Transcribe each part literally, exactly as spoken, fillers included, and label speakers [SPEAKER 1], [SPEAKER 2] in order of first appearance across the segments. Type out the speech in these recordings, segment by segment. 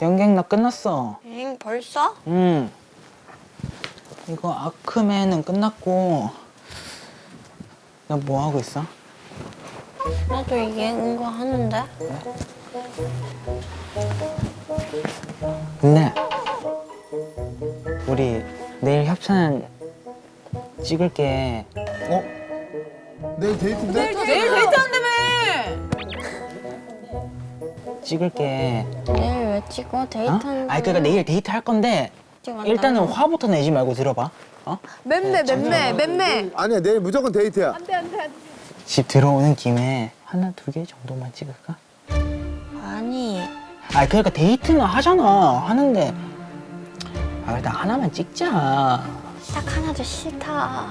[SPEAKER 1] 연객 나 끝났어.
[SPEAKER 2] 엥, 벌써?
[SPEAKER 1] 응. 이거 아크맨은 끝났고. 너 뭐 하고 있어?
[SPEAKER 2] 나도 이게 은거 하는데.
[SPEAKER 1] 근데 우리 내일 협찬 찍을게.
[SPEAKER 3] 어? 내일 데이트인데?
[SPEAKER 4] 내일 데이트한다며!
[SPEAKER 1] 찍을게.
[SPEAKER 2] 내일 왜 찍어?
[SPEAKER 1] 어?
[SPEAKER 2] 데이트한다.
[SPEAKER 1] 아니 그러니까 내일 데이트 할 건데 일단은 화부터 내지 말고 들어봐. 어?
[SPEAKER 4] 맴매, 맴매, 맴매.
[SPEAKER 3] 아니야, 내일 무조건 데이트야.
[SPEAKER 1] 집 들어오는 김에 하나 두 개 정도만 찍을까?
[SPEAKER 2] 아니,
[SPEAKER 1] 아 그러니까 데이트는 하잖아. 하는데 아 일단 하나만 찍자.
[SPEAKER 2] 딱 하나도 싫다.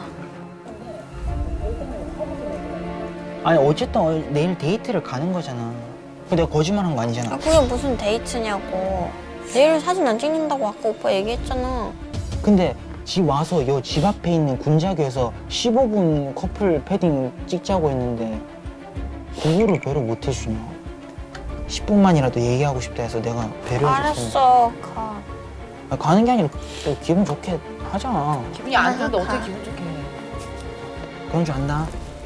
[SPEAKER 1] 아니 어쨌든 어- 내일 데이트를 가는 거잖아. 근데 내가 거짓말한 거
[SPEAKER 2] 아,
[SPEAKER 1] 아니잖아.
[SPEAKER 2] 그게 무슨 데이트냐고. 내일 사진 안 찍는다고 아까 오빠 얘기했잖아.
[SPEAKER 1] 근데 집 와서 요 집 앞에 있는 군자교에서 십오 분 커플 패딩 찍자고 했는데 그거를 배려 못 해주냐. 십 분만이라도 얘기하고 싶다 해서 내가 배려해줬어.
[SPEAKER 2] 알았어, 가.
[SPEAKER 1] 아, 가는 게 아니라 또 기분 좋게 하자.
[SPEAKER 4] 기분이 안 좋은데 어떻게 기분 좋게 해.
[SPEAKER 1] 그런 줄 안다.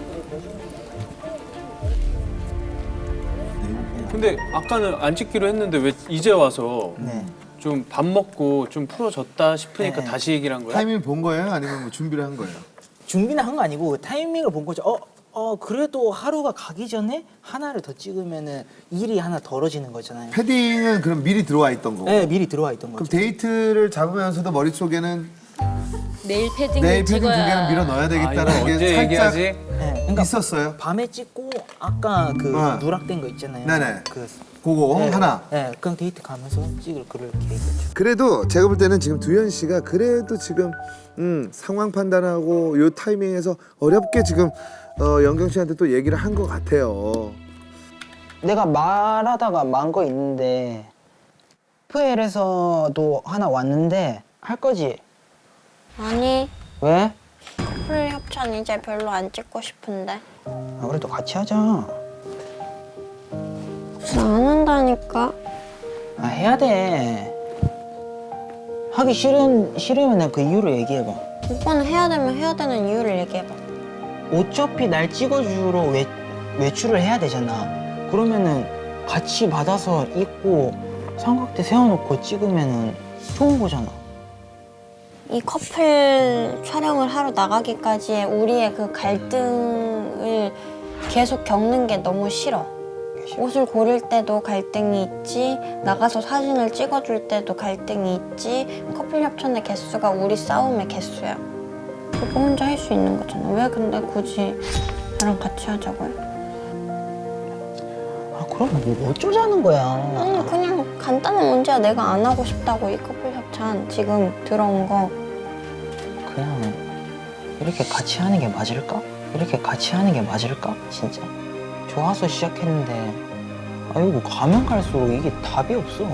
[SPEAKER 5] 근데 아까는 안 찍기로 했는데 왜 이제 와서
[SPEAKER 1] 네.
[SPEAKER 5] 좀 밥 먹고 좀 풀어졌다 싶으니까
[SPEAKER 1] 네.
[SPEAKER 5] 다시 얘기를 한 거야?
[SPEAKER 3] 타이밍 본 거예요? 아니면 뭐 준비를 한 거예요?
[SPEAKER 1] 준비는 한 거 아니고 타이밍을 본 거죠. 어, 어 그래도 하루가 가기 전에 하나를 더 찍으면은 일이 하나 덜어지는 거잖아요.
[SPEAKER 3] 패딩은 그럼 미리 들어와 있던 거고.
[SPEAKER 1] 네, 미리 들어와 있던
[SPEAKER 3] 그럼
[SPEAKER 1] 거죠.
[SPEAKER 3] 데이트를 잡으면서도 머릿속에는
[SPEAKER 6] 내일 패딩을
[SPEAKER 3] 내일 패딩 두
[SPEAKER 6] 찍어야
[SPEAKER 3] 개는 밀어 넣어야
[SPEAKER 5] 아, 이거
[SPEAKER 3] 되겠다는
[SPEAKER 5] 언제
[SPEAKER 3] 게 살짝
[SPEAKER 5] 얘기하지?
[SPEAKER 1] 네, 그러니까
[SPEAKER 3] 있었어요.
[SPEAKER 1] 밤에 찍고 아까 그
[SPEAKER 3] 어.
[SPEAKER 1] 누락된 거 있잖아요.
[SPEAKER 3] 네네.
[SPEAKER 1] 그
[SPEAKER 3] 그거
[SPEAKER 1] 네,
[SPEAKER 3] 하나.
[SPEAKER 1] 네, 그럼 데이트 가면서 찍을 그럴 계획이었죠.
[SPEAKER 3] 그래도 제가 볼 때는 지금 두현 씨가 그래도 지금 음, 상황 판단하고 요 타이밍에서 어렵게 지금 어, 영경 씨한테 또 얘기를 한 것 같아요.
[SPEAKER 1] 내가 말하다가 만 거 있는데 에프엘에서도 하나 왔는데 할 거지?
[SPEAKER 2] 아니,
[SPEAKER 1] 왜?
[SPEAKER 2] 커플 협찬 이제 별로 안 찍고 싶은데.
[SPEAKER 1] 아, 그래도 같이 하자.
[SPEAKER 2] 무슨 안 한다니까?
[SPEAKER 1] 아, 해야 돼. 하기 싫은, 싫으면 내가 그 이유를 얘기해봐.
[SPEAKER 2] 오빠는 해야 되면 해야 되는 이유를 얘기해봐.
[SPEAKER 1] 어차피 날 찍어주러 외, 외출을 해야 되잖아. 그러면은 같이 받아서 입고 삼각대 세워놓고 찍으면은 좋은 거잖아.
[SPEAKER 2] 이 커플 촬영을 하러 나가기까지의 우리의 그 갈등을 계속 겪는 게 너무 싫어. 옷을 고를 때도 갈등이 있지, 나가서 사진을 찍어줄 때도 갈등이 있지, 커플 협찬의 개수가 우리 싸움의 개수야. 그거 혼자 할 수 있는 거잖아. 왜 근데 굳이 나랑 같이 하자고 해?
[SPEAKER 1] 아, 그럼 뭐 어쩌자는 거야.
[SPEAKER 2] 아니 그냥 간단한 문제야. 내가 안 하고 싶다고 이 커플 협찬 지금 들어온 거.
[SPEAKER 1] 그냥 이렇게 같이 하는 게 맞을까? 이렇게 같이 하는 게 맞을까? 진짜? 좋아서 시작했는데 아이고 가면 갈수록 이게 답이 없어.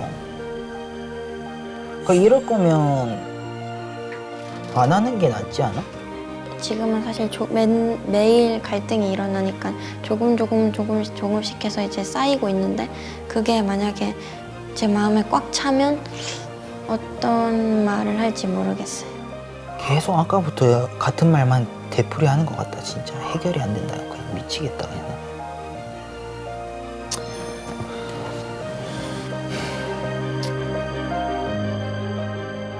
[SPEAKER 1] 그러니까 이럴 거면 안 하는 게 낫지 않아?
[SPEAKER 2] 지금은 사실 조, 맨, 매일 갈등이 일어나니까 조금 조금 조금씩 조금씩 해서 이제 쌓이고 있는데 그게 만약에 제 마음에 꽉 차면 어떤 말을 할지 모르겠어요.
[SPEAKER 1] 계속 아까부터 같은 말만 되풀이하는 것 같다. 진짜 해결이 안 된다. 그냥 미치겠다 그냥.